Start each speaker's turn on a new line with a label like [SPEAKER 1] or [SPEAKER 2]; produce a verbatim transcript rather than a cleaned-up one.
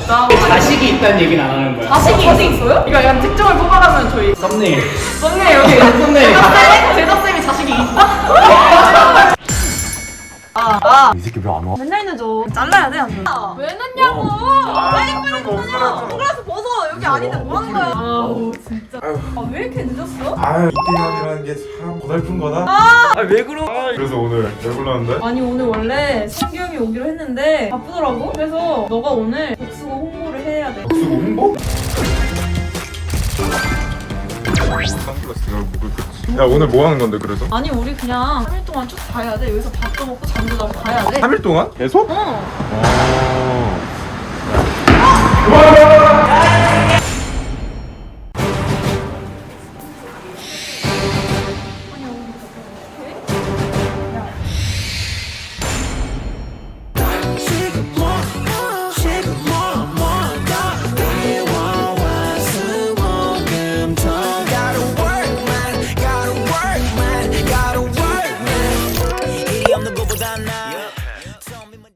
[SPEAKER 1] 진짜?
[SPEAKER 2] 자식이 있다는 얘기는 안 하는 거야.
[SPEAKER 1] 자식이 있어요? 이거 약간 특종을 뽑아가면 저희
[SPEAKER 2] 썸네일.
[SPEAKER 1] 썸네일 여기
[SPEAKER 2] 썸네일.
[SPEAKER 1] 제작쌤? 제작쌤이 자식이 있다? 아, 아.
[SPEAKER 3] 이 새끼 왜 안 와?
[SPEAKER 1] 맨날 늦어. 잘라야 돼, 안 돼? 왜 늦냐고! 빨리 빨리 벗어! 선글라스 벗어! 여기 아닌데 뭐 하는 거야? 아우, 진짜. 아, 왜 이렇게 늦었어?
[SPEAKER 4] 아유 이태현이라는 게 참 고달픈 거다.
[SPEAKER 1] 아, 왜 그러?
[SPEAKER 4] 그래서 오늘 왜 불렀는데?
[SPEAKER 1] 아니, 오늘 원래 승규 형이 오기로 했는데 바쁘더라고? 그래서 너가 오늘 복수고 홍보를 해야 돼.
[SPEAKER 4] 복수고 홍보? 선글라스 내가 목을 끄지. 야 오늘 뭐 하는 건데 그래서?
[SPEAKER 1] 아니, 우리 그냥 삼 일 동안 쭉 가야 돼. 여기서 밥도 먹고 잠도 자고 가야 돼.
[SPEAKER 4] 삼 일 동안? 계속?
[SPEAKER 1] 어.
[SPEAKER 4] 아.